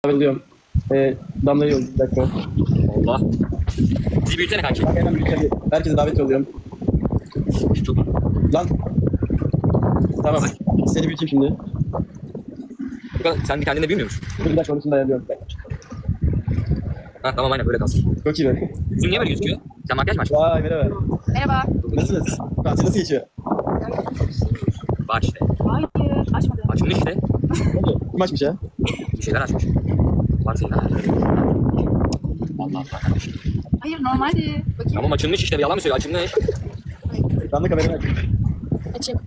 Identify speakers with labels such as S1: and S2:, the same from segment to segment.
S1: Ayrılıyorum. Damla'yı yolluyorum. Bir dakika.
S2: Allah. Bizi büyütsene kanki.
S1: Bak hemen bir herkese davet yolluyorum.
S2: Çok
S1: Lan. Tamam. Seni büyüteyim şimdi.
S2: Sen kendinde büyümüyor musun?
S1: Bir dakika onu şimdi ayarlıyorum.
S2: Ha tamam aynen böyle kalsın.
S1: Çok iyi be.
S2: Yüzün niye böyle gözüküyor? Sen makyaj mı açtın?
S1: Vay merhaba.
S3: Merhaba.
S1: Nasılsınız? Tatil nasıl geçiyor?
S2: Bak işte.
S3: Hayır, açmadım.
S2: Açılmış işte.
S1: Kim açmış ya?
S2: Bir şeyler açmış. Bak senin ha. Allah Allah kardeşim.
S3: Hayır, normaldi. Bakayım.
S2: Tamam açılmış işte. Yalan mı söylüyor? Açılmış.
S1: Damla kamerayı aç.
S3: Açayım.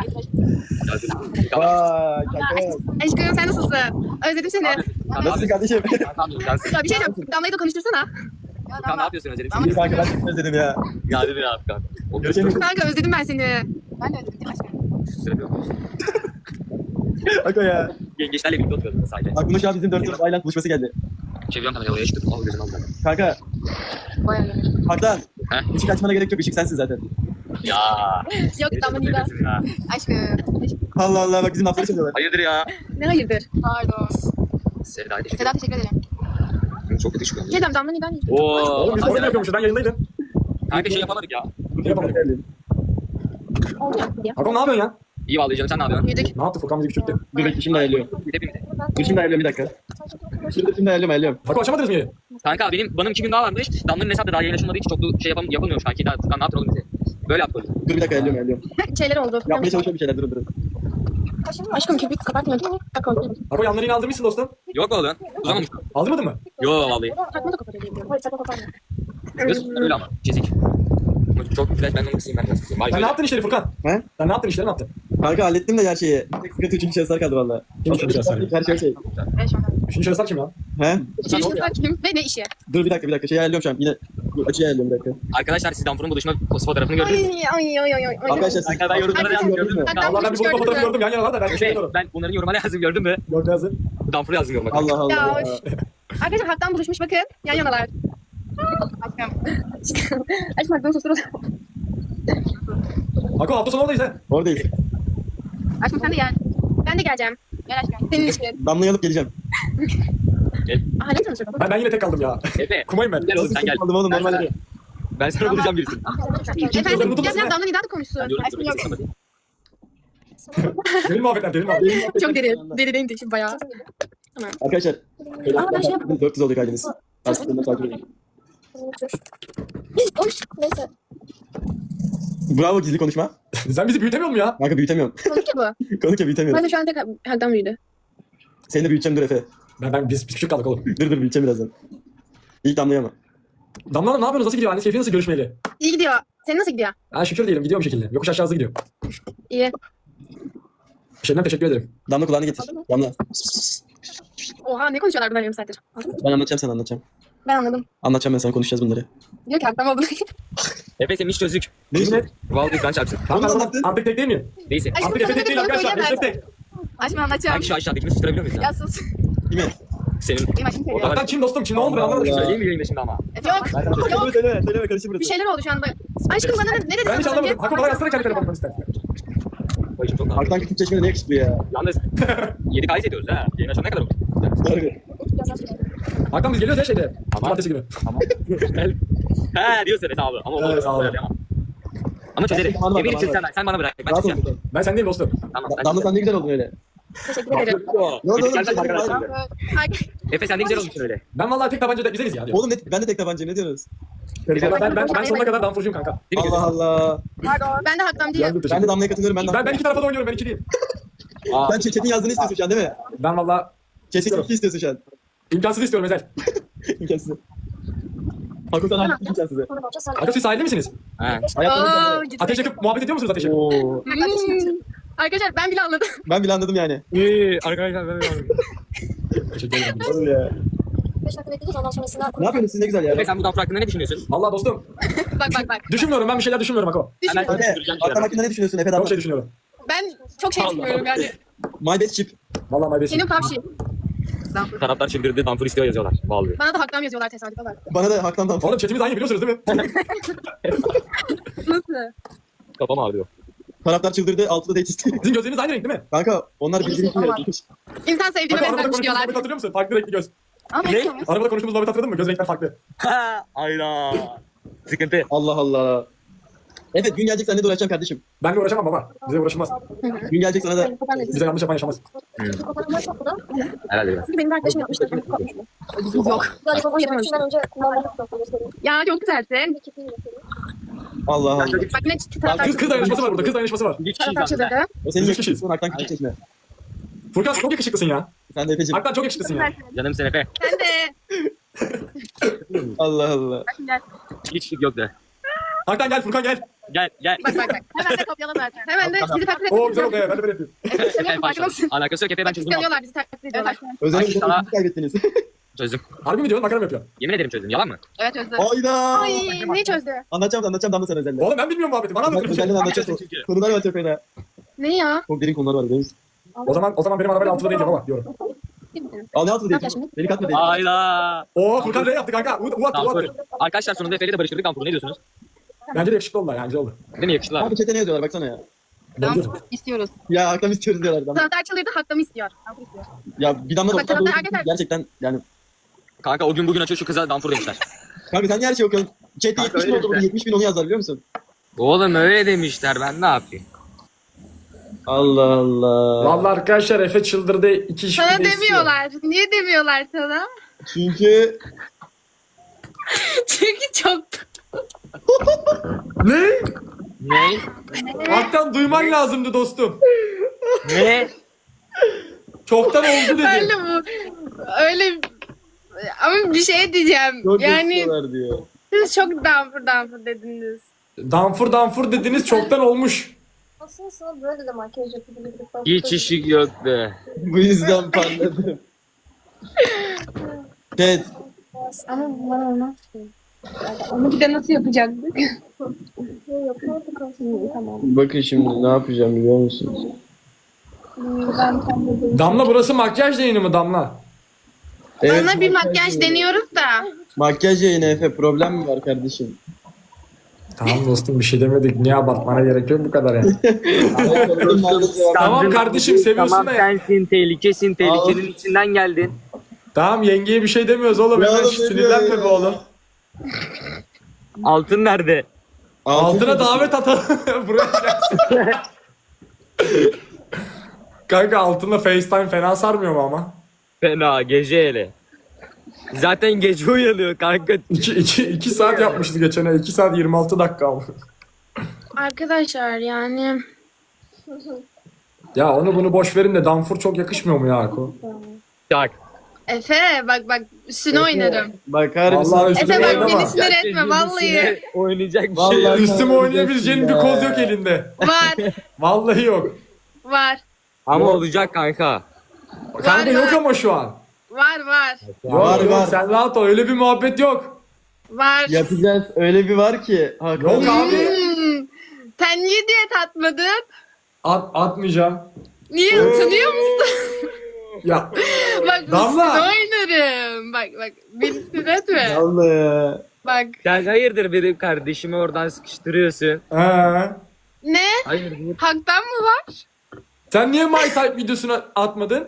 S1: Vay kanka.
S3: Aşkım sen nasılsın? Özledim seni.
S1: Nasılsın kardeşim?
S3: Ya bir şey diyeceğim. Damla'yı da konuştursana.
S2: Kanka ne yapıyorsun Özel'im?
S1: İyi kanka ben çok özledim ya.
S2: Ya hadi bir rahat kanka.
S1: Görüşemiyoruz.
S3: Kanka özledim ben seni. Ben de özledim aşkım.
S1: Kanka ya.
S2: Gençlerle birlikte oturuyorduk sadece.
S1: Aklıma şu an bizim 4 Island buluşması geldi.
S2: Çeviriyorum kamerayı oraya çıktım. Al gözünü al zaten.
S1: Kanka.
S3: Bayağı iyi.
S1: Haktan.
S2: He?
S1: Işık açmana gerek yok. Işık sensin zaten.
S2: Ya.
S3: Yok Damla değil ben.
S2: Ya.
S3: Aşkım.
S1: Allah Allah bak bizim lafları çalıyorlar.
S2: Hayırdır ya?
S3: Ne hayırdır? Pardon.
S2: Sevda'ya teşekkür
S3: Seda teşekkür ederim.
S2: ederim. Çok kötü çıkıyor.
S3: Şey diyeceğim Damla neden?
S2: Oo.
S4: Oğlum biz orada yapıyormuşuz. Ben yayındaydım.
S2: Kanka şey yapamadık ya.
S4: Ne yapalım?
S3: Olacak diye.
S4: Hakan ne yapıyorsun ya?
S2: İyi vallahi canım sen ne yapıyorsun?
S3: Yürüdük.
S4: Ne yaptı? Furkan bizi küçülttü.
S1: Dur bekle şimdi ayarlıyorum.
S2: Hepimiz.
S1: Dur şimdi ayarlıyorum bir dakika. Şimdi ayarlıyorum.
S4: Hakan açamadınız mı yeri?
S2: Kanka bana 2 gün daha varmış. Damla'nın hesabı da daha yayın açılmadığı için çok da şey yapamıyormuş kanki. Daha Furkan ne yaptın oğlum bize? Böyle yaptı oğlum.
S1: Dur bir dakika ayarlıyorum.
S3: Şeyler oldu.
S1: Yapmaya çalışıyorum bir şeyler durun.
S3: Aşkım köpük kapatmıyor değil mi? Kapalı.
S4: Hakan yanları yine aldırmışsın dostum.
S2: Yok oğlum. Uzamamış.
S4: Aldırmadın mı?
S2: Yo vallahi.
S3: Takma da kapatıyor diye. Hayır takma kapatmıyor.
S2: Göz öyle ama. Çizik. Çok flash ben onu kısayım ben biraz kısayım. Vay
S4: Sen ne
S2: böyle.
S4: yaptın işleri Furkan?
S1: He?
S4: Sen ne yaptın işleri ne yaptın?
S1: Kanka hallettim de her şeyi. Tek sıkıntı üçüncü şahıslar kaldı valla.
S4: Kim üçüncü şahıslar ya?
S1: Her şey okey.
S3: Ben şu an.
S4: Üçüncü şahıslar kim ya?
S1: He?
S3: Üçüncü kim ve ne işi?
S1: Dur bir dakika. Şey ayarlıyorum şu an. Yine açıyı ayarlıyorum bir dakika.
S2: Arkadaşlar siz Damfur'un buluşma fotoğrafını gördünüz mü?
S3: Ay.
S1: Arkadaşlar siz...
S2: Arkadaşlar ben yorumlara
S3: Arkadaşlar-
S2: yazdım gördün mü?
S3: Hatta
S4: Allah ben bir bulutma fotoğrafı gördüm yan yana var da ben bir şey
S2: Efe
S4: görüyorum.
S2: ben bunların yorumlara yazdım gördün mü?
S4: Yok ne yazdı?
S2: Damfur'u yazdım yoruma.
S1: Allah Allah.
S3: Ya,
S1: ya.
S3: Arkadaşlar Hak'tan buluşmuş bakın. Yan yanalar. Aşkım. Aşkım Hak'tan susturun.
S4: Hakan hafta sonu oradayız he.
S1: Oradayız.
S3: Aşkım sen de gel. Ben de geleceğim. Gel aşkım. Senin için.
S1: Damlayı alıp geleceğim.
S3: Aha ne tanışıyor?
S4: Ben yine tek kaldım ya.
S2: Efe.
S4: Kumayım ben.
S2: Gel oğlum sen gel.
S1: Aldım oğlum normal.
S2: Ben sana bulacağım birisini.
S3: Efendim
S4: Unutulmasın
S3: biraz
S4: ya.
S3: Damla neden de konuşsun.
S2: Ben diyorum ki sana bakayım.
S4: Derin muhabbetler derin muhabbetler.
S3: Çok derin. Derin şimdi bayağı.
S1: Arkadaşlar.
S3: Aa, ben şey yapayım.
S1: 400 oldu kaydınız. Aslında takip edin.
S3: Neyse.
S1: Bravo gizli konuşma.
S4: Sen bizi büyütemiyor musun ya?
S1: Kanka büyütemiyorum.
S3: Konuk ya bu.
S1: Konuk ya büyütemiyorum.
S3: Ben de şu an tek Hak'tan büyüdü.
S1: Seni de büyüteceğim dur Efe.
S4: Biz küçük kaldık oğlum.
S1: Dur büyüteceğim birazdan. İlk damlayı ama.
S4: Damla Hanım ne yapıyorsunuz? Nasıl gidiyor? Anne keyfi nasıl görüşmeyeli?
S3: İyi gidiyor. Senin nasıl gidiyor?
S4: Ha şükür diyelim gidiyor bir şekilde. Yokuş aşağı hızlı gidiyor.
S3: İyi.
S4: Şeyden teşekkür ederim.
S1: Damla kulağını getir. Damla.
S3: Oha ne konuşuyorlar bunlar yarım saattir.
S1: Ben anlatacağım sana anlatacağım.
S3: Ben anladım.
S1: Anlatacağım ben sana konuşacağız bunları.
S3: Diyor ki Hak'tan oldu.
S2: Efe senin hiç çözük.
S1: Ne işte?
S2: Vallahi kan çarpsın.
S4: Tamam
S1: Onu
S4: ben
S1: anlattın.
S4: artık tek değil miyim?
S2: Neyse.
S3: Aşkım
S4: Artık Efe tek değil arkadaşlar. Efe tek.
S3: Aşkım anlatacağım.
S2: Kanki şu aşağıdakini susturabiliyor muyuz ya?
S3: Ya sus.
S1: Değil mi?
S2: Senin.
S3: Benim aşkım söylüyor.
S2: Orada-
S4: Hakan kim dostum? Kim ne oldu ben anlamadım.
S1: Allah.
S2: Söyleyeyim mi yayında şimdi ama?
S3: Yok. Yok.
S1: Söyleme karışım
S3: Bir
S1: burası.
S3: şeyler oldu şu anda. Aşkım bana ne dedin?
S4: Ben hiç
S3: az önce?
S4: anlamadım. Hakan bana yazsana kendi telefonundan ister.
S2: Bayışım çok ağır.
S1: Arktan küçük çeşmede ne yakışıklı ya.
S2: Yalnız 7 kayıt ediyoruz ha. Yayın açana ne kadar oldu?
S1: Doğru.
S4: Hakan biz geliyoruz ya şeyde. Cumartesi günü.
S2: Tamam. He diyorsun Efe abi. Ama
S4: Evet, sağ ol.
S2: Ama çözerim.
S1: Bana bak,
S2: Emir için
S1: bana bak.
S2: sen bana bırak. Ben
S1: Rahat ol.
S2: çıkacağım.
S4: Ben sendeyim dostum.
S2: Tamam.
S1: Damla sen ne güzel oldun öyle.
S3: Teşekkür ederim.
S1: Ne oldu oğlum?
S2: Gel,
S1: Bir şey
S2: gel,
S1: değil.
S2: gel. Efe sen ne güzel olmuşsun öyle.
S4: Ben vallahi tek tabancada güzeliz ya diyor.
S1: Oğlum ben de tek tabancayım ne diyorsunuz?
S4: Ben sonuna kadar damfurcuyum kanka.
S2: Değil mi
S1: Allah
S2: gözüm?
S1: Allah.
S3: Pardon. Ben de Hak'tan değilim.
S4: Yandım
S1: Ben de
S4: teşekkür.
S1: Damla'ya katılıyorum.
S4: Ben iki tarafa da oynuyorum ben iki değilim.
S2: Aa,
S1: Sen Chat'in yazdığını istiyorsun şu an değil mi?
S4: Ben vallahi
S1: Chat'in iki istiyorsun şu an.
S4: imkansız istiyorum Ezel.
S1: İmkansız. Hakkı sana hangi imkansızı?
S4: Hakan siz sahilde misiniz?
S2: he.
S1: Hayatımda
S3: Oo, gitti.
S4: Ateş yakıp muhabbet ediyor musunuz ateş yakıp?
S1: Oo.
S3: Arkadaşlar ben bile anladım.
S1: Ben bile anladım yani.
S2: Arkadaşlar ben
S4: Teşekkür ederim.
S1: Oğlum ya.
S5: 5 dakika bekleyeceğiz ondan sonrasında.
S1: Ne yapıyorsunuz siz ne güzel ya.
S2: Efe sen bu damfur hakkında ne düşünüyorsun?
S4: Vallahi dostum.
S3: Bak.
S4: Düşünmüyorum ben bir şeyler düşünmüyorum Hako.
S2: Hemen
S1: Efe,
S2: konuşturacağım
S1: Hakan
S2: şeyler.
S1: hakkında ne düşünüyorsun Efe
S4: Çok
S1: Damla?
S4: şey düşünüyorum.
S3: Ben çok şey düşünüyorum yani.
S1: My best chip.
S4: Vallahi my best.
S3: Senin pavşi.
S2: Taraftar çıldırdı damfur istiyor yazıyorlar. Vallahi.
S3: Bana da Hak'tan yazıyorlar tesadüfe bak.
S1: Bana da Hak'tan
S4: Oğlum chatimiz aynı biliyorsunuz değil mi?
S3: Nasıl?
S2: Kafam ağrıyor.
S1: Taraftar çıldırdı. Altıda date istiyor.
S4: Sizin gözleriniz aynı renk değil mi?
S1: Kanka onlar birbirini
S3: Ama-
S1: bilmiyor.
S3: İnsan sevdiğine
S4: Bak arabada
S3: benzer
S4: konuştuğumuz
S3: diyorlar.
S4: muhabbeti hatırlıyor musun? Farklı renkli göz.
S3: Ama
S2: Ne?
S4: Arabada konuştuğumuz muhabbeti hatırladın mı? Göz renkler farklı.
S2: Hayda. Sıkıntı.
S1: Allah Allah. Evet gün gelecek seninle de uğraşacağım kardeşim.
S4: Benle uğraşamam baba. Bize uğraşılmaz.
S1: Gün gelecek sana da.
S4: Bize yanlış yapan yaşamaz.
S5: Fotoğraflar topladım.
S2: Herhalde biraz.
S3: Çünkü benim bir arkadaşım yapmıştı. Yok.
S5: Böyle fotoğrafı yapmışından önce kullanmadık da göstereyim.
S3: Ya çok güzelsin.
S5: Bir çiftliği göstereyim.
S1: Allah Allah.
S3: Bak ne taraftar
S4: Kız dayanışması var burada. Kız dayanışması var.
S2: 3
S3: taraftar
S2: kişiyiz aslında.
S3: çıldırdı.
S1: O senin
S4: Üç kişiyiz.
S1: yakışıklısın. Haktan küçük çekme.
S4: Furkan çok yakışıklısın ya.
S1: Sen de Efe'cim.
S4: Hakikaten çok yakışıklısın ya.
S2: Canım sen Efe.
S3: Sen de.
S1: Allah Allah.
S2: Hiç yok de.
S4: Hakikaten gel Furkan gel.
S2: Gel gel.
S3: Bak. Hemen de kopyala zaten. Hemen de bizi taklit
S4: Oo güzel
S3: ediyorlar.
S4: oldu ya. Ben de böyle yapayım.
S2: En başta. Alakası yok Efe'yi ben çözdüm.
S3: Kıskanıyorlar bizi taklit ediyorlar.
S1: Özellikle
S2: Ay, sana-
S1: çok kaybettiniz.
S2: Çözdüm.
S4: Harbi mi diyorsun? Makara mı yapıyorsun?
S2: Yemin ederim çözdüm. Yalan mı?
S3: Evet Özlem.
S1: Hayda.
S3: Ay ne çözdü?
S1: Anlatacağım Damla sana özellikle.
S4: Oğlum ben bilmiyorum muhabbeti. Bana anlatın.
S1: Özellikle anlatacağız.
S2: Çünkü.
S1: Konular var çok fena.
S3: Ne ya?
S1: Çok derin konular var biliyor musun?
S4: O zaman benim arabayla altıda değil baba diyorum.
S1: Al ne altı
S3: Ne
S1: değil.
S3: yapıyorsun?
S1: Beni katma değil.
S2: Hayda.
S4: Oo Furkan ne yaptı kanka? U attı.
S2: Damfur. Arkadaşlar sonunda Efe'yle de barıştırdık Damfur'u. Ne diyorsunuz?
S4: Bence de yakışıklı oldular yani güzel oldu.
S2: Değil mi yakıştılar?
S1: Abi chat'e ne yazıyorlar baksana ya.
S4: Bence de.
S3: İstiyoruz.
S1: Ya haktan istiyoruz diyorlar. Damla.
S3: Taraftar çıldırdı hakkımı istiyor.
S1: Ya bir damla da
S3: Bak,
S1: bakar doğru
S3: arkadaşlar-
S1: gerçekten yani.
S2: Kanka o gün bugün açıyor şu kıza Damfur demişler.
S1: Kanka sen niye her şeyi okuyorsun? Chat'te
S2: Kanka
S1: 70 bin
S2: öyle
S1: oldu burada
S2: işte.
S1: 70 bin onu yazdılar biliyor musun?
S2: Oğlum öyle demişler ben ne yapayım?
S1: Allah Allah.
S4: Vallahi arkadaşlar Efe çıldırdı. 2 iş
S3: Sana
S4: bir de istiyor.
S3: demiyorlar. Niye demiyorlar sana?
S1: Çünkü
S3: Çünkü çok...
S4: Ne?
S2: Ne?
S4: Hakikaten duyman lazımdı dostum.
S2: Ne?
S4: Çoktan oldu dedi.
S3: Öyle bu. Öyle... Ama bir şey diyeceğim.
S1: çok
S3: Yani
S1: istiyorlar diyor.
S3: siz çok damfur dediniz.
S4: Danfur dediniz çoktan olmuş.
S5: Aslında sana böyle de makyaj yapabilirdik. Bak,
S2: Hiç işi yoktu.
S1: Bu yüzden parladım. Chat.
S5: Ama bunlar olmaz ki.
S3: Onu bir de nasıl yapacaktık?
S5: Yapıyorduk aslında. Tamam.
S1: Bakın şimdi ne yapacağım biliyor musunuz?
S5: Ben tam da
S4: Damla burası makyaj yayını mı Damla?
S3: Bana bir makyaj deniyoruz da.
S1: Makyaj yayını Efe problem mi var kardeşim?
S4: Tamam dostum bir şey demedik. Niye abartmana gerek yok bu kadar yani. Tamam kardeşim, seviyorsun
S2: Tamam
S4: da ya.
S2: sensin tehlikesin tehlikenin
S1: Oğlum.
S2: içinden geldin.
S4: Tamam yengeye bir şey demiyoruz oğlum.
S1: Ya
S4: Hemen
S1: oğlum, ne diyor
S4: sinirlenme
S1: ya?
S4: be oğlum.
S2: Altın nerede?
S4: Altına davet atalım. Buraya gelsin. Kanka altında FaceTime fena sarmıyor mu ama?
S2: Fena gece hele. Zaten gece uyanıyor kanka.
S4: 2 saat yapmışız geçen ay. 2 saat 26 dakika oldu.
S3: Arkadaşlar yani...
S4: Ya onu bunu boş verin de Danfur çok yakışmıyor mu ya Ako?
S2: Bak.
S3: Efe bak üstüne oynarım.
S1: Bakar
S4: Vallahi
S1: mısın?
S4: üstüne
S3: Efe bak
S4: oynama.
S3: beni sinir etme vallahi.
S2: Oynayacak bir şey
S1: Vallahi-
S2: yok.
S4: Üstüme oynayabileceğin bir koz yok elinde.
S3: Var
S4: Vallahi yok.
S3: var.
S2: Ama olacak kanka.
S4: Kanka yok
S3: var.
S4: ama şu an.
S3: Var
S4: Yok,
S1: Var,
S4: yok,
S1: var.
S4: sen rahat ol. Öyle bir muhabbet yok.
S3: var.
S1: Yapacağız. Öyle bir var ki. Hakan.
S4: Yok abi.
S3: Sen niye diyet atmadın?
S4: Atmayacağım.
S3: Niye utanıyor musun?
S4: Ya
S3: Bak
S4: Damla.
S3: üstüne oynarım. Bak beni sinir etme.
S1: Allah ya.
S3: Bak
S2: Sen hayırdır benim kardeşimi oradan sıkıştırıyorsun.
S3: ne?
S2: Hayırdır?
S3: Haktan mı var?
S4: Sen niye My Type videosunu atmadın?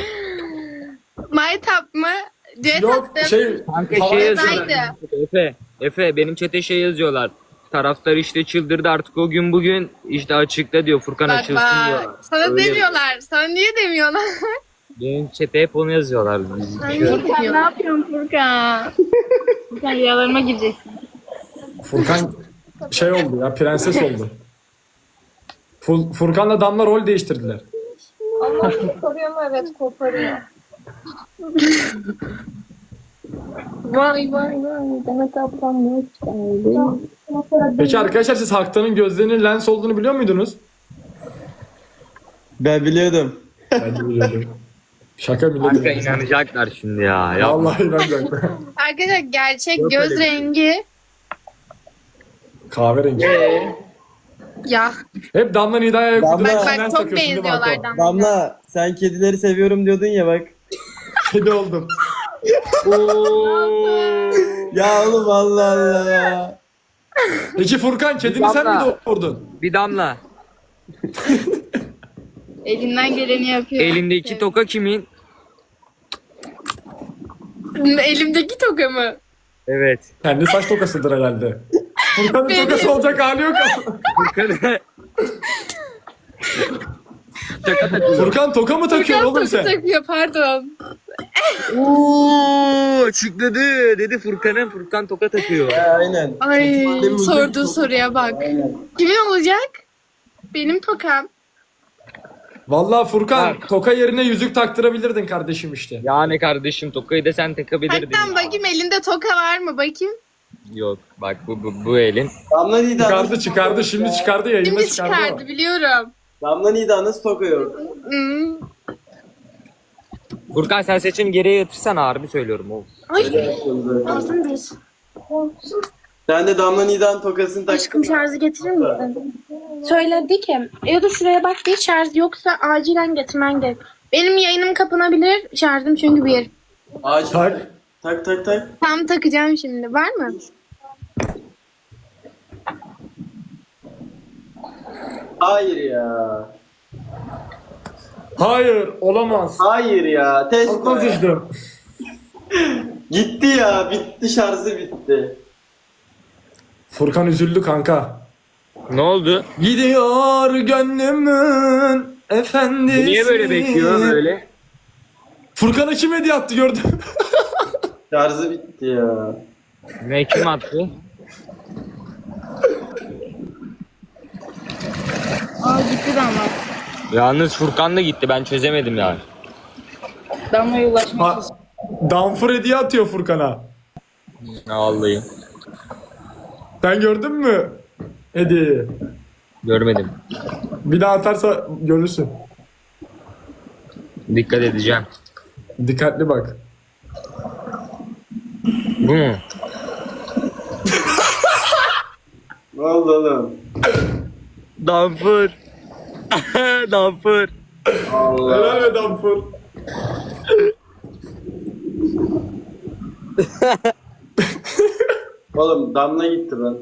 S3: Maytap mı? Diyet
S4: Yok
S3: attım.
S2: Kanka
S4: Hava-
S2: şey yazıyorlar.
S3: Haydi.
S2: Efe benim çete şey yazıyorlar. Taraftar işte çıldırdı artık o gün bugün işte açıkla diyor Furkan
S3: Bak
S2: açılsın diyor.
S3: bak. Sana
S2: Öyle.
S3: demiyorlar. Sana niye demiyorlar?
S2: Benim çete hep onu yazıyorlar.
S3: Furkan ne yapıyorsun Furkan? Furkan rüyalarıma gireceksin.
S4: Furkan şey oldu ya, prenses oldu. Furkan'la Damla rol değiştirdiler.
S5: Ama koparıyor mu? Evet koparıyor.
S3: Vay.
S5: Demet ablam ne isterdi?
S4: Peki arkadaşlar siz Haktan'ın gözlerinin lens olduğunu biliyor muydunuz?
S1: Ben biliyordum.
S4: Ben de biliyordum. Şaka
S2: Kanka
S4: millet.
S2: inanacaklar şimdi ya. Ya
S4: Vallahi inanacak.
S3: Arkadaşlar gerçek
S2: Yok
S3: göz
S2: öyle bir şey.
S3: rengi
S4: Kahverengi.
S3: ya.
S4: Hep Damla Nida'ya
S1: Damla.
S3: Bak
S4: lens
S3: çok
S4: takıyorsun değil mi
S3: benziyorlar
S4: Ako?
S3: Damla.
S1: Damla sen kedileri seviyorum diyordun ya bak.
S4: Kedi oldum.
S1: Ya oğlum Allah Allah ya.
S4: Peki Furkan kedini sen mi
S2: Damla.
S4: doğurdun?
S2: bir damla.
S3: Elinden geleni yapıyor.
S2: Elindeki toka kimin?
S3: Elimdeki toka mı?
S2: Evet.
S4: Kendi saç tokasıdır herhalde. Furkan'ın
S3: Benim.
S4: tokası olacak hali yok ama.
S2: Furkan. Toka takıyor.
S4: Furkan toka mı takıyorsun oğlum
S3: toka
S4: sen?
S3: takıyor pardon.
S2: Ooo açıkladı. Dedi Furkan toka takıyor.
S1: Aynen.
S3: Ay
S1: Benim
S3: sorduğu
S1: uzun-
S3: soruya bak.
S1: Aynen.
S3: Kimin olacak? Benim tokam.
S4: Vallahi Furkan
S2: Bak.
S4: toka yerine yüzük taktırabilirdin kardeşim işte.
S2: Yani kardeşim tokayı da sen takabilirdin.
S3: Hatta bakayım elinde toka var mı bakayım.
S2: Yok bak bu elin.
S1: Damla Nida
S4: Çıkardı şimdi çıkardı yayında
S3: Şimdi
S4: çıkardı.
S3: çıkardı biliyorum.
S1: Damla Nida nasıl toka yok?
S3: Hmm.
S2: Furkan sen seçim geriye yatırsana harbi söylüyorum oğlum.
S3: Ay ağzım bir.
S1: Sen de Damla Nida'nın tokasını tak.
S3: Aşkım şarjı getirir misin? Söyledi ki ya da şuraya bak bir şarj yoksa acilen getirmen gerek. Benim yayınım kapanabilir şarjım çünkü bir.
S1: Acil.
S4: Tak.
S1: Tak.
S3: Tam takacağım şimdi var mı?
S1: Hayır ya.
S4: Hayır olamaz.
S1: Hayır ya. Test
S4: Çok üzüldüm.
S1: Gitti ya. Bitti, şarjı bitti.
S4: Furkan üzüldü kanka.
S2: Ne oldu?
S4: Gidiyor gönlümün efendisi.
S2: Niye böyle bekliyor böyle?
S4: Furkan'a kim hediye attı gördün mü?
S1: Şarjı bitti ya.
S2: Ne kim attı?
S3: Aa gitti de ama.
S2: Yalnız Furkan da gitti ben çözemedim yani.
S3: Damla'ya ulaşmak
S4: Ha, Danfur hediye atıyor Furkan'a.
S2: Vallahi
S4: Sen gördün mü hediyeyi?
S2: görmedim.
S4: Bir daha atarsa görürsün.
S2: Dikkat edeceğim.
S4: Dikkatli bak.
S2: Bu mu?
S1: Ne oldu oğlum?
S2: Damfur. Damfur.
S1: Allah.
S4: Helal be Danfur.
S1: Oğlum Damla gitti lan.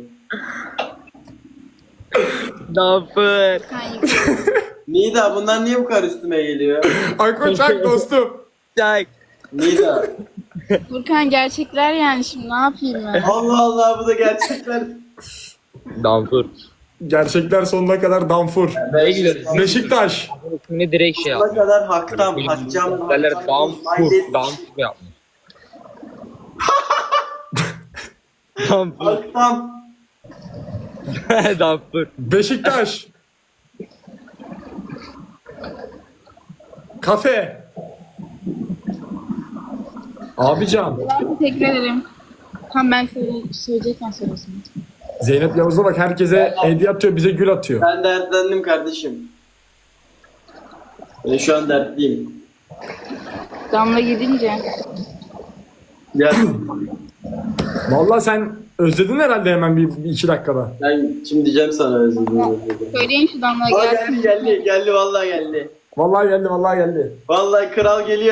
S2: Damfur.
S1: Nida bunlar niye bu kadar üstüme geliyor?
S4: Akkoçak dostum.
S2: Çak.
S1: Nida.
S3: Furkan gerçekler yani şimdi ne yapayım ben?
S1: Allah Allah, bu da gerçekler.
S2: Damfur.
S4: Gerçekler sonuna kadar Danfur.
S2: Nereye gidiyoruz?
S4: Beşiktaş.
S2: Şimdi direkt şey
S1: Sonuna
S2: yap.
S1: kadar haktam, hakcam.
S2: Derler Damfur. Damfur yapmış. Damfur.
S1: Haktam.
S2: Damfur.
S4: Beşiktaş. Kafe. Abican.
S3: Teşekkür ederim. Tam ben söyleyecekken söylesin.
S4: Zeynep Yavuz'a bak herkese hediye atıyor bize gül atıyor.
S1: Ben dertlendim kardeşim. Ben şu an dertliyim.
S3: Damla gidince.
S1: Ya
S4: Vallahi sen özledin herhalde hemen bir iki dakikada.
S1: ben şimdi diyeceğim sana özledim.
S3: Söyleyin şu Damla'ya
S1: Aa,
S3: gelsin.
S1: geldi vallahi geldi.
S4: Vallahi geldi.
S1: Vallahi kral geliyor.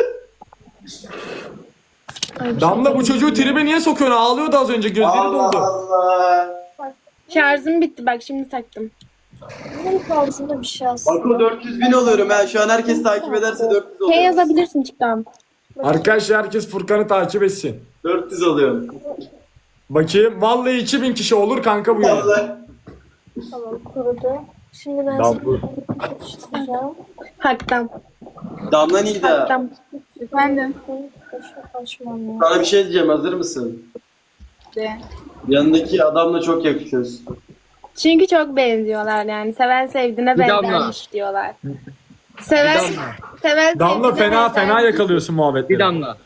S4: Damla bu çocuğu tribe niye sokuyorsun? Ağlıyordu az önce gözleri
S1: Allah
S4: doldu.
S1: Allah.
S3: Şarjım bitti bak şimdi taktım.
S5: Bunun kalbisinde bir şey aslında.
S1: Bako 400.000 oluyorum ha. Şu an herkes takip ederse 400
S3: Şey
S1: oluyorum.
S3: yazabilirsin çıktan.
S4: Arkadaşlar herkes Furkan'ı takip etsin.
S1: 400 oluyorum.
S4: Bakayım vallahi 2000 kişi olur kanka bu yayın.
S1: Vallahi.
S5: Tamam kurudu. Şimdi ben
S2: Damfur.
S5: tutacağım.
S3: Haktan.
S1: Damla Nida.
S3: Haktan. Efendim.
S5: Açmam ya.
S1: Sana bir şey diyeceğim, hazır mısın?
S3: De.
S1: Yanındaki adamla çok yakışıyorsun.
S3: Çünkü çok benziyorlar yani. Seven sevdiğine
S2: Bir damla.
S3: benzermiş diyorlar. Seven,
S2: Bir damla.
S3: seven
S4: Damla
S3: sevdiğine
S4: fena
S3: benzer.
S4: yakalıyorsun muhabbetleri.
S2: Bir damla.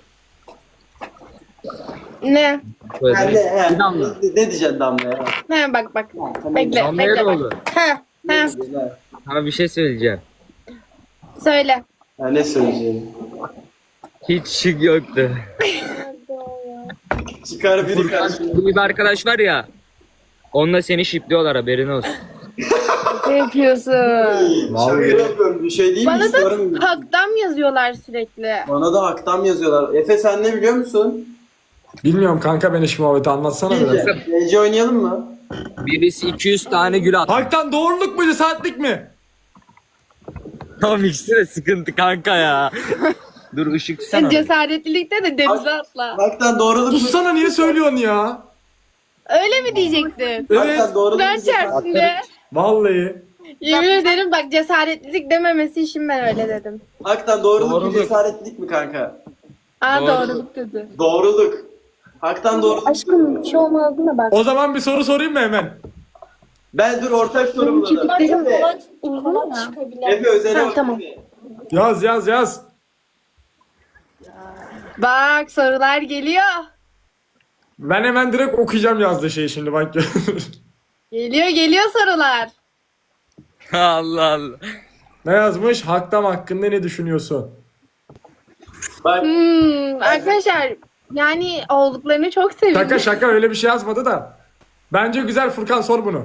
S3: Ne?
S2: Söyle. Bir damla.
S1: Ne diyeceksin Damla'ya?
S3: Ha bak. Bekle,
S2: Damlaya
S3: bekle
S2: ne
S3: bak.
S2: oldu?
S3: Ha.
S2: Sana bir şey söyleyeceğim.
S3: Söyle.
S1: Ha, ne söyleyeceğim?
S2: Hiç şık yoktu.
S5: Nerede o ya?
S1: Çıkar biri
S2: Furkan
S1: karşına.
S2: gibi bir arkadaş var ya. Onunla seni şipliyorlar haberin olsun.
S3: Ne yapıyorsun?
S1: Şaka yapıyorum, bir şey değil mi?
S3: Bana
S1: İstiyorum.
S3: da haktan yazıyorlar sürekli.
S1: Bana da haktam yazıyorlar. Efe sen ne biliyor musun?
S4: Bilmiyorum kanka ben iş muhabbeti anlatsana biraz.
S1: Gece oynayalım mı?
S2: Birisi 200 tane gül attı.
S4: Haktan doğruluk mu cesaretlik mi?
S2: Tamam ikisi de sıkıntı kanka ya. Dur ışık sana.
S3: Cesaretlilikte de denize atla.
S1: Haktan doğruluk mu?
S4: Sussana niye söylüyorsun ya?
S3: Öyle mi diyecektin?
S4: Evet.
S1: Haktan doğruluk mu?
S3: Ben çarptığında
S4: Vallahi.
S3: yemin ederim bak cesaretlilik dememesi için ben öyle dedim.
S1: Haktan doğruluk mu
S2: Doğruluk.
S1: cesaretlilik mi kanka?
S3: Aa
S2: Doğru.
S3: doğruluk dedi.
S1: Doğruluk. Haktan doğruluk.
S5: Aşkım bir şey olmazdı da bak.
S4: O zaman bir soru sorayım mı hemen?
S1: Ben dur ortak soru bulalım.
S5: Bazen
S1: Efe,
S5: kolay
S3: Uzun ya.
S5: çıkabilir.
S1: Efe özele
S3: Ha,
S1: bak.
S3: tamam.
S1: Efe.
S4: Yaz.
S3: Bak sorular geliyor.
S4: Ben hemen direkt okuyacağım yazdığı şeyi şimdi bak.
S3: Geliyor sorular.
S2: Allah Allah.
S4: Ne yazmış? Haktam hakkında ne düşünüyorsun?
S1: Bak
S3: Arkadaşlar yani olduklarını çok seviyorum.
S4: Şaka öyle bir şey yazmadı da. Bence güzel, Furkan sor bunu.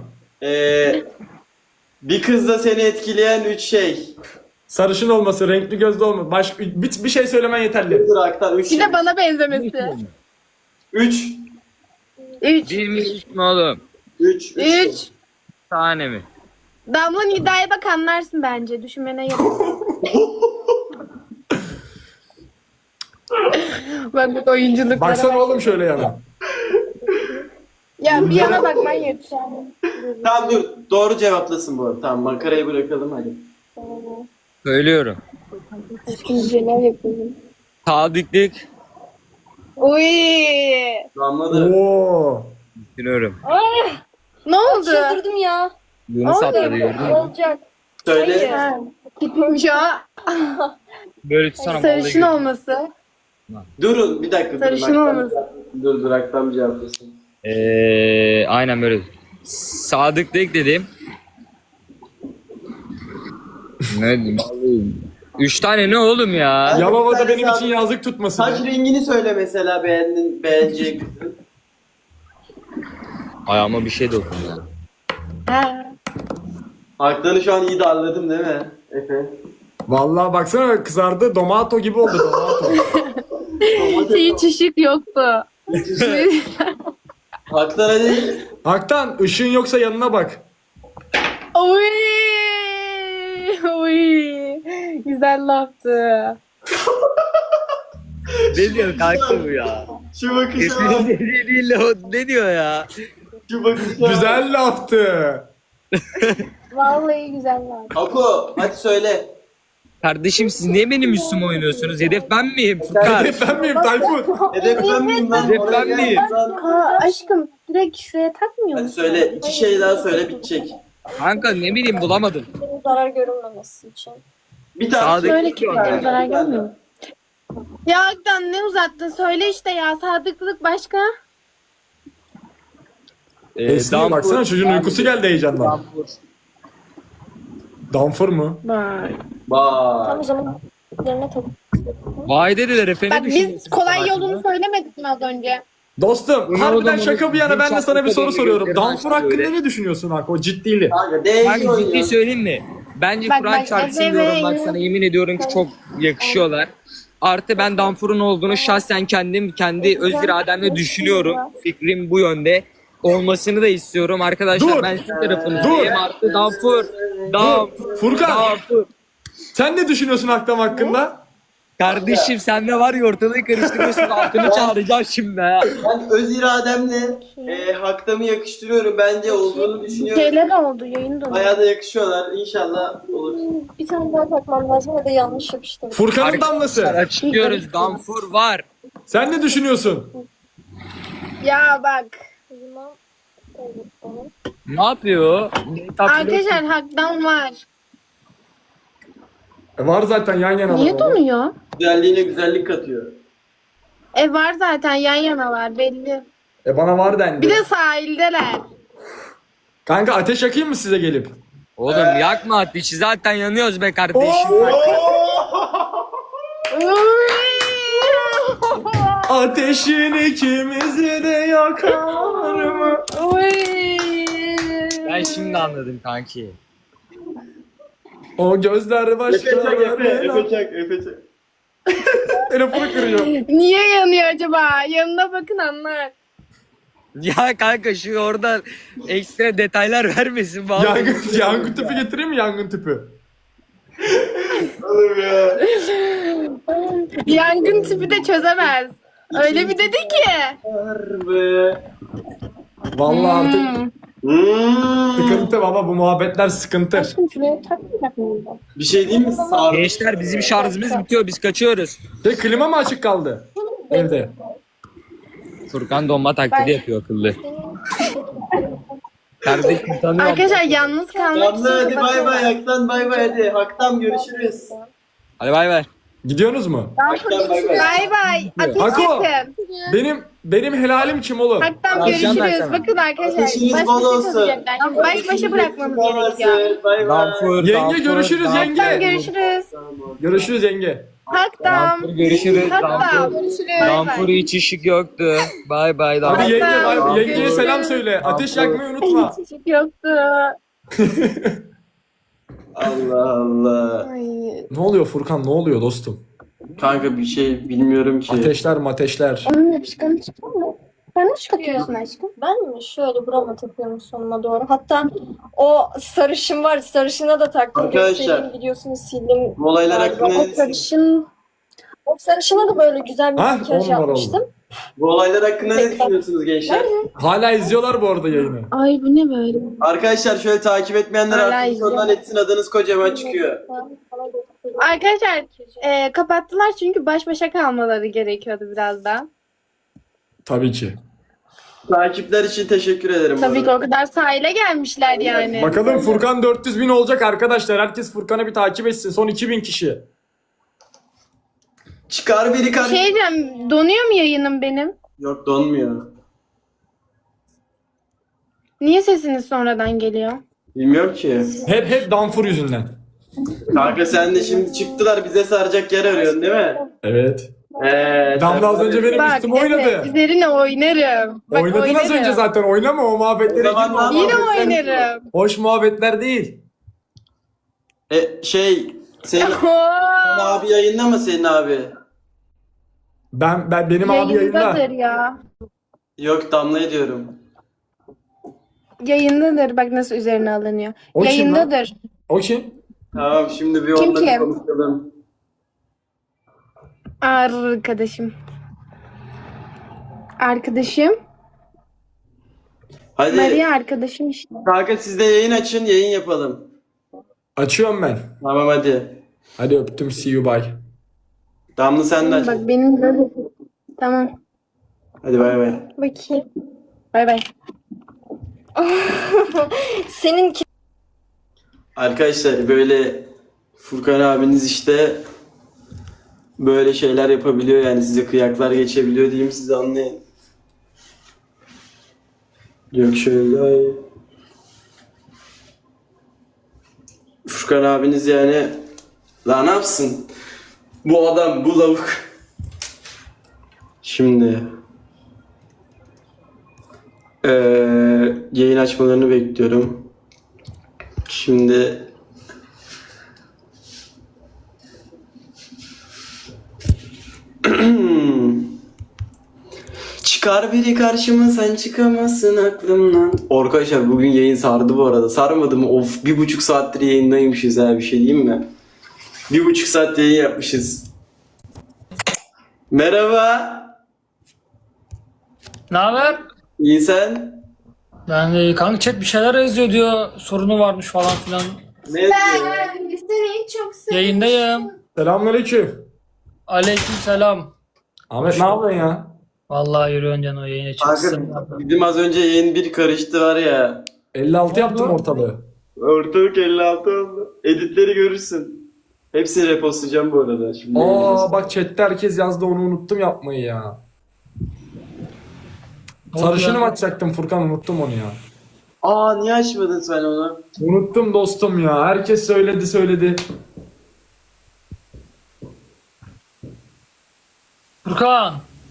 S1: bir kızda seni etkileyen 3 şey.
S4: Sarışın olması, renkli gözlü olması. Bir şey söylemen yeterli.
S1: Dur Haktan 3
S3: Bir
S1: şey.
S3: de bana benzemesi.
S1: 3.
S3: 3.
S2: Bir mi üç mü oğlum?
S1: 3.
S3: 3.
S2: Tane mi?
S3: Damla Nida'ya bak anlarsın bence. Düşünmene gerek yok. Bak oyunculuklara
S4: Baksana
S3: bak.
S4: oğlum şöyle yana.
S3: Ya bir yana bakman yeter.
S1: Tamam dur. Doğru cevaplasın bu arada. Tamam makarayı bırakalım hadi.
S2: Söylüyorum.
S5: Neler yapıyorum.
S2: Sadıklık.
S3: Uy.
S1: Anladım.
S4: Oo.
S2: Düşünüyorum.
S3: Ne oldu?
S5: Çıldırdım ya.
S2: Bunu sapladı gördün mü?
S5: Olacak.
S1: Söyle.
S3: Ha, gitmemiş o.
S2: Böyle tutsana
S3: Sarışın
S2: vallahi.
S3: olması.
S1: Durun bir dakika.
S3: Sarışın
S1: Haktan-
S3: olması.
S1: Dur Haktan cevaplasın.
S2: Aynen böyle. Sadıklık dedim. Ne dedim? 3 tane ne oğlum ya?
S4: Yalova'da benim için yazlık tutmasın.
S1: Saç rengini söyle mesela beğeneceğin kızın.
S2: Ayağıma bir şey dokundu.
S3: Ha.
S1: Haktan'ı şu an iyi darladım değil mi Efe?
S4: Vallahi baksana kızardı. Domato gibi oldu domato.
S3: Hiç ışık yoktu.
S1: Haktan hadi.
S4: Haktan ışığın yoksa yanına bak.
S3: Uy. Uy. Güzel laftı.
S2: Ne diyor kanka bu ya?
S1: Şu bakışa.
S2: Ne diyor ya?
S1: Şu bakışa.
S4: Güzel laftı.
S5: Vallahi güzeller.
S1: Ako hadi söyle.
S2: Kardeşim siz niye benim üstüme oynuyorsunuz? Hedef ben miyim Furkan?
S4: Hedef ben miyim Tayfun?
S1: Hedef ben miyim lan?
S2: Hedef
S1: Oraya
S2: ben
S1: gel
S2: miyim?
S1: lan.
S3: Ha, aşkım direkt şuraya takmıyor
S1: Hadi
S3: musun?
S1: söyle. 2 şey daha söyle bitecek.
S2: Kanka ne bileyim bulamadım.
S5: Benim zarar görünmemesi için.
S1: Bir tane
S2: Sadık-
S3: Söyle ki
S2: Bir tane.
S3: zarar görmüyor mu? Ya Aktan ne uzattın? Söyle işte ya. Sadıklık başka?
S4: Esniye baksana çocuğun uykusu geldi heyecandan. Damfur mu?
S3: Vay.
S5: Tam
S1: Bak.
S5: o zaman üzerine tak.
S2: Vay dediler efendim.
S3: Bak biz kolay yolunu söylemedik mi az önce?
S4: Dostum
S2: Ulan
S4: harbiden
S2: oğlum,
S4: şaka bir yana ben de sana bir soru soruyorum.
S2: gözlerini
S4: Damfur
S2: açtı
S4: hakkında
S2: böyle.
S4: ne düşünüyorsun Hak? O ciddili.
S1: Kanka
S2: Ben
S1: değişiyor
S2: ciddi
S1: ya.
S2: söyleyeyim mi? Bence
S3: Bak,
S2: Kur'an
S3: bak,
S2: çarpsın
S3: Efe
S2: diyorum.
S3: ve-
S2: Bak sana yemin ediyorum ki çok yakışıyorlar. Artı ben Danfur'un olduğunu şahsen kendi öz irademle düşünüyorum. Fikrim bu yönde. Olmasını da istiyorum. Arkadaşlar
S4: Dur.
S2: ben sizin tarafınızdayım. Artı Danfur.
S4: Furkan
S2: Danfur.
S4: sen ne düşünüyorsun Haktam hakkında?
S2: Kardeşim sen de var ya ortalığı karıştırıyorsun. Altını çağıracağım şimdi ha.
S1: Ben öz irademle Haktan'ı yakıştırıyorum. Bence olduğunu düşünüyorum.
S3: Şeyler oldu yayın dolu.
S1: Bayağı da yakışıyorlar. İnşallah olur.
S5: Bir tane daha takmam lazım ya da yanlış yapıştırdım.
S4: Furkan'ın damlası.
S2: Açıklıyoruz. Danfur var.
S4: Sen ne düşünüyorsun?
S3: Ya bak.
S5: O zaman evet, tamam.
S2: Ne yapıyor?
S3: Arkadaşlar Haktan var.
S4: Var zaten yan yana.
S3: Niye donuyor?
S1: Güzelliğine güzellik katıyor.
S3: Var zaten yan yanalar belli.
S4: Bana var dendi.
S3: Bir de sahildeler.
S4: Kanka ateş yakayım mı size gelip?
S2: Oğlum yakma ateşi zaten yanıyoruz be kardeşim.
S4: Ateşin ikimizi de yakar mı?
S2: Ben şimdi anladım kanki.
S4: O gözler başka.
S1: Efe çak.
S4: Telefonu kırıyor.
S3: Niye yanıyor acaba? Yanına bakın anlar.
S2: Ya kanka şu orada ekstra detaylar vermesin. Vallahi.
S4: Yangın tüpü getireyim mi yangın tüpü?
S1: Oğlum ya.
S3: Yangın tüpü de çözemez. Öyle bir dedi ki.
S1: Harbi.
S4: Vallahi artık
S1: Hmm.
S4: sıkıntı baba, bu muhabbetler sıkıntı.
S5: Aşkım şuraya takmayacak mıyız?
S1: Bir şey diyeyim mi? Sardı.
S2: Gençler bizim şarjımız bitiyor. Biz kaçıyoruz.
S4: Klima mı açık kaldı evde?
S2: Furkan donma taklidi yapıyor akıllı. Kardeşim tanıyorum.
S3: Arkadaşlar yalnız kalmak için
S1: Damla hadi bay bay.
S3: kapatıyorlar.
S1: Haktan bay bay hadi. Haktan görüşürüz.
S2: Hadi bay bay.
S4: Gidiyorsunuz mu?
S1: Haktan bay bay.
S3: Bay bay. Ateş
S4: Hako.
S3: yakın.
S4: Benim helalim kim oğlum?
S3: Haktan
S2: Akşam
S3: görüşürüz.
S2: versene.
S3: Bakın arkadaşlar.
S1: Ateşiniz
S3: Baş
S1: bol
S3: başa
S1: olsun.
S3: kalacaklar. Şimdi baş başa bırakmamız gerekiyor.
S1: Bay bay.
S2: Danfur,
S4: Yenge, görüşürüz yenge.
S3: Haktan görüşürüz.
S4: Görüşürüz yenge.
S3: Haktan.
S2: Görüşürüz.
S3: Haktan.
S2: Danfur hiç ışık yoktu. Bay bay.
S4: Hadi
S2: Danfur.
S4: yenge,
S3: Tamam.
S4: yengeye selam söyle. Ateş yakmayı unutma.
S3: Çocuk yoktu.
S1: Allah Allah.
S3: Ay.
S4: Ne oluyor Furkan, ne oluyor dostum?
S1: Kanka bir şey bilmiyorum ki.
S4: Ateşler mateşler.
S3: Onun yapışkanı çıktı mı? Sen nasıl katıyorsun aşkım?
S5: Ben mi? Şöyle burama takıyorum sonuna doğru. Hatta o sarışın var. Sarışına da taktım.
S1: Arkadaşlar.
S5: Göstereyim, videosunu sildim.
S1: Bu olaylar
S5: Galiba.
S1: hakkında ne
S5: O
S1: düşünüyorsunuz?
S5: sarışın... O sarışına da böyle güzel bir
S4: Ha,
S5: makyaj
S4: 10 numara
S5: yapmıştım.
S1: Bu olaylar hakkında ne düşünüyorsunuz gençler?
S4: Hala izliyorlar bu arada yayını.
S3: Ay bu ne böyle?
S1: Arkadaşlar şöyle takip etmeyenler
S3: Hala
S1: artık
S3: izliyorum.
S1: sondan etsin, adınız kocaman çıkıyor.
S3: Arkadaşlar kapattılar çünkü baş başa kalmaları gerekiyordu biraz daha.
S4: Tabii ki.
S1: Takipler için teşekkür ederim. bu
S3: Tabii ki
S1: arada.
S3: o kadar sahile gelmişler yani.
S4: Bakalım Furkan 400.000 olacak arkadaşlar. Herkes Furkan'ı bir takip etsin. Son 2000 kişi.
S1: Çıkar biri kar.
S3: Şey diyeceğim, donuyor mu yayınım benim?
S1: Yok donmuyor.
S3: Niye sesiniz sonradan geliyor?
S1: Bilmiyorum ki.
S4: Hep Danfur yüzünden.
S1: Kanka sen de şimdi çıktılar bize saracak yer arıyorsun değil mi?
S4: Evet.
S1: Sen
S4: Damla az önce benim
S3: Bak
S4: üstüme
S3: evet,
S4: oynadı.
S3: üzerine oynarım. Bak,
S4: Oynadın az
S3: oynarım.
S4: önce zaten. Oynama o muhabbetlere
S1: O zaman
S4: girme. O
S1: ne
S3: Yine
S4: muhabbetler-
S3: oynarım.
S4: Hoş muhabbetler değil.
S1: Senin abi yayında mı senin abi?
S4: Benim abi
S3: Yayındadır
S4: yayında.
S3: ya.
S1: Yok Damla'ya diyorum.
S3: Yayındadır. Bak nasıl üzerine alınıyor.
S4: O kim lan?
S3: Yayındadır.
S4: O kim?
S1: Tamam şimdi bir
S3: Kim
S1: onunla
S3: kim?
S1: konuşalım.
S3: Arkadaşım. Arkadaşım.
S1: Hadi
S3: Maria arkadaşım işte.
S1: kanka siz de yayın açın, yayın yapalım.
S4: Açıyorum ben.
S1: Tamam hadi.
S4: Hadi öptüm. See you bye.
S1: Damla sen de aç.
S3: Bak benim böyle. Tamam.
S1: Hadi bay bay.
S5: Bakayım.
S3: Bay bay.
S5: Seninki
S1: Arkadaşlar böyle Furkan abiniz işte böyle şeyler yapabiliyor yani size kıyaklar geçebiliyor diyeyim size anlayın. Yok şöyle daha iyi. Furkan abiniz yani lan ne yapsın? Bu adam bu lavuk. Şimdi yayın açmalarını bekliyorum. Şimdi çıkar biri karşıma sen çıkamazsın aklımdan. Arkadaşlar bugün yayın sardı bu arada. Sarmadı mı? Of 1,5 saattir yayındaymışız ha bir şey diyeyim mi? 1,5 saat yayın yapmışız. Merhaba.
S6: Ne haber?
S1: İyi sen?
S6: Yani kanka chat bir şeyler yazıyor diyor. Sorunu varmış falan filan.
S1: Ne yazıyor?
S3: Seni çok
S6: Yayındayım.
S4: Selamünaleyküm.
S6: Aleyküm selam.
S4: Ahmet ne yapıyorsun ya?
S6: Vallahi yürüyorsun canım o yayına çıksın.
S1: Kanka bizim az önce yayın bir karıştı var ya.
S4: 56 yaptım ortalığı.
S1: Ortalık 56 oldu. Editleri görürsün. Hepsini repostlayacağım bu arada. Şimdi
S4: Aa bak chatte herkes yazdı, onu unuttum yapmayı ya. Sarışını mı açacaktım Furkan, unuttum onu ya.
S1: Aa niye açmadın sen onu?
S4: Unuttum dostum ya. Herkes söyledi.
S6: Furkan.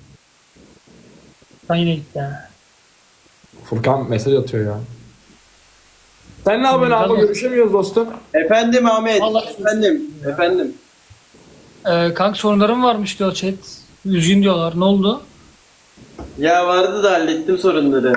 S6: Ben yine gitti ha.
S4: Furkan mesaj atıyor ya. Sen ne yapıyorsun abi?
S6: Tamam.
S4: Görüşemiyoruz dostum.
S1: Efendim Ahmet.
S6: Vallahi-
S1: Efendim.
S6: Kanka sorunlarım varmış diyor chat. Üzgün diyorlar. Ne oldu?
S1: Ya vardı da hallettim sorunları.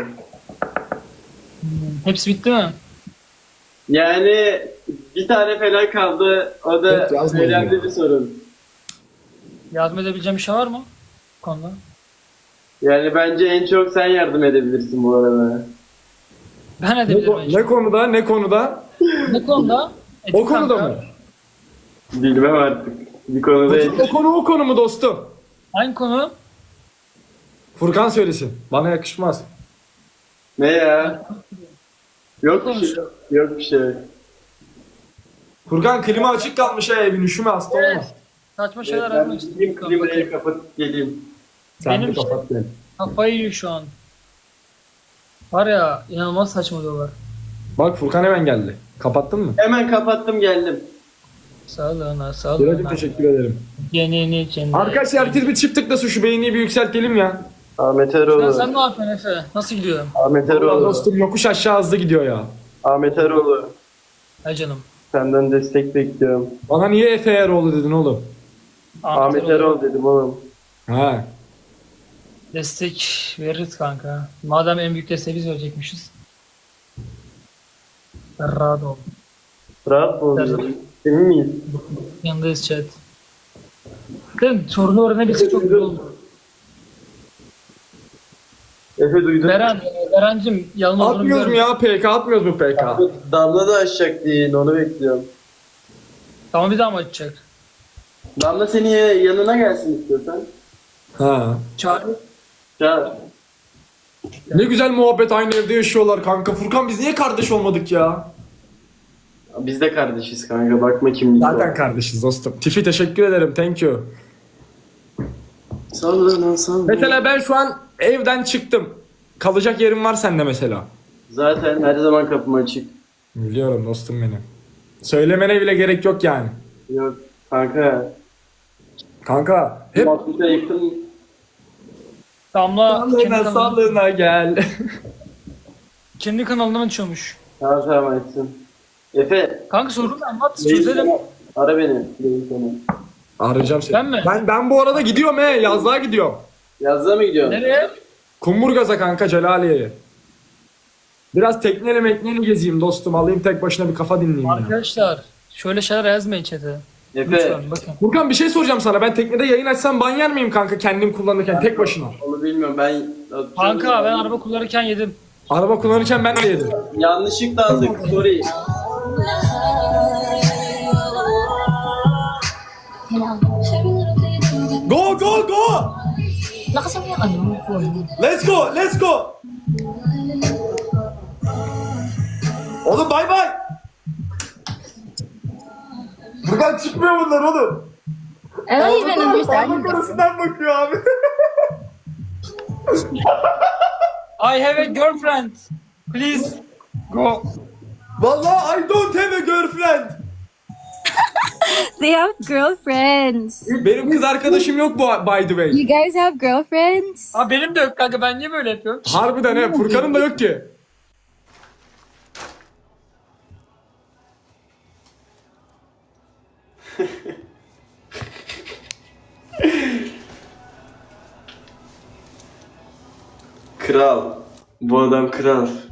S6: Hepsi bitti mi?
S1: Yani bir tane falan kaldı. O da
S4: Evet, yazmayın
S1: önemli
S4: ya.
S1: bir sorun.
S6: Yardım edebileceğim bir şey var mı? Bu konuda.
S1: Yani bence en çok sen yardım edebilirsin bu arada.
S6: Ben edebilirim. en
S4: Ne
S6: çok.
S4: konuda? Ne konuda?
S6: Ne konuda?
S4: O konuda
S6: kanka.
S4: mı?
S1: Bilmem artık. Bir konuda
S4: O konu mu dostum?
S6: Hangi konu?
S4: Furkan söylesin. Bana yakışmaz.
S1: ne ya? Yok bir şey. Yok bir şey.
S4: Furkan klima açık kalmış ha evin, üşüme hasta olma.
S6: Evet. Saçma şeyler
S1: Ben
S6: yazmak
S1: gideyim
S6: istiyorum.
S1: klimayı kapatıp geleyim.
S4: Sen
S6: Benim
S4: de
S6: işte-
S4: kapat gel.
S6: Kafayı yiyor şu an. Var ya inanılmaz saçmalıyorlar.
S4: Bak Furkan hemen geldi. Kapattın mı?
S1: Hemen kapattım geldim.
S6: Sağlığına
S4: Biracım
S6: sağlığına.
S4: teşekkür ederim.
S6: Genini içinde.
S4: Arkadaşlar herkes bir çift tıklasın, şu beğeniyi bir yükseltelim ya.
S1: Ahmet
S6: Sen
S1: Eroğlu.
S6: ne yapıyorsun Efe? Nasıl gidiyor?
S1: Ahmet
S4: Allah
S1: Eroğlu.
S4: dostum yokuş aşağı hızlı gidiyor ya.
S1: Ahmet Eroğlu.
S6: Hay canım.
S1: Senden destek bekliyorum.
S4: Bana niye Efe Eroğlu dedin oğlum?
S1: Ahmet Eroğlu dedim oğlum.
S4: Ha.
S6: Destek veririz kanka. Madem en büyük desteği biz verecekmişiz. Rahat ol.
S1: Rahat mı
S6: Her zaman.
S1: oldun? Emin miyiz?
S6: Yanındayız chat. Bakın sorunu öğrenebilsek çok güzel olur.
S1: Efe duydun.
S6: Berencim yalın olduğunu
S4: Atmıyoruz mu
S6: biliyorum.
S4: ya PK? Atmıyoruz mu PK?
S1: Damla da açacak diye onu bekliyorum.
S6: Tamam bir daha mı açacak?
S1: Damla seni yanına gelsin istiyorsan.
S4: Ha.
S6: Çağır.
S1: Çağır.
S4: Ne güzel muhabbet, aynı evde yaşıyorlar kanka. Furkan biz niye kardeş olmadık ya?
S1: Biz de kardeşiz kanka, bakma kimlik
S4: Zaten kardeşiz dostum. Tifi teşekkür ederim, thank you.
S1: Sallana sallana.
S4: Mesela ben şu an evden çıktım. Kalacak yerim var sende mesela.
S1: Zaten her zaman kapım açık.
S4: Biliyorum dostum benim. Söylemene bile gerek yok yani.
S1: Yok kanka.
S4: Kanka hep
S1: Muhabbete yakın.
S6: Damla
S4: sağlığına gel.
S6: kendi kanalından açıyormuş.
S1: Tamam tamam açsın. Efe.
S6: Kanka sorunu anlat
S1: Reis
S6: çözelim.
S1: sana- Ara beni. Reis seni.
S4: Arayacağım seni.
S6: Ben mi?
S4: Ben bu arada gidiyorum yazlığa gidiyorum.
S1: Yazlığa mı gidiyorsun?
S6: Nereye?
S4: Kumburgaz'a kanka, Celaliye'ye. Biraz tekneyle mekneyle gezeyim dostum. Alayım tek başına bir kafa dinleyeyim ya.
S6: Arkadaşlar şöyle şeyler yazmayın chat'e.
S1: Efe.
S6: Lütfen bakın.
S4: Furkan bir şey soracağım sana. Ben teknede yayın açsam ban yer miyim kanka kendim kullanırken tek başına?
S1: Onu bilmiyorum ben.
S6: Kanka ben araba kullanırken yedim.
S4: Araba kullanırken ben de yedim.
S1: Yanlışlıkla aldık. Sorry.
S4: Go go go!
S7: Lakas mo yung ano, phone.
S4: Let's go, let's go. Oğlum bay bay. Buradan çıkmıyor bunlar oğlum.
S7: Ano yun ang
S4: Parmak arasından bakıyor abi.
S6: I have a girlfriend. Please go.
S4: Vallahi I don't have a girlfriend.
S7: They have girlfriends.
S4: Benim kız arkadaşım yok bu, by the way.
S7: You guys have girlfriends?
S6: Aa benim de yok kanka ben niye böyle yapıyorum?
S4: Harbiden he, Furkan'ın da yok ki.
S1: Kral. Bu adam kral.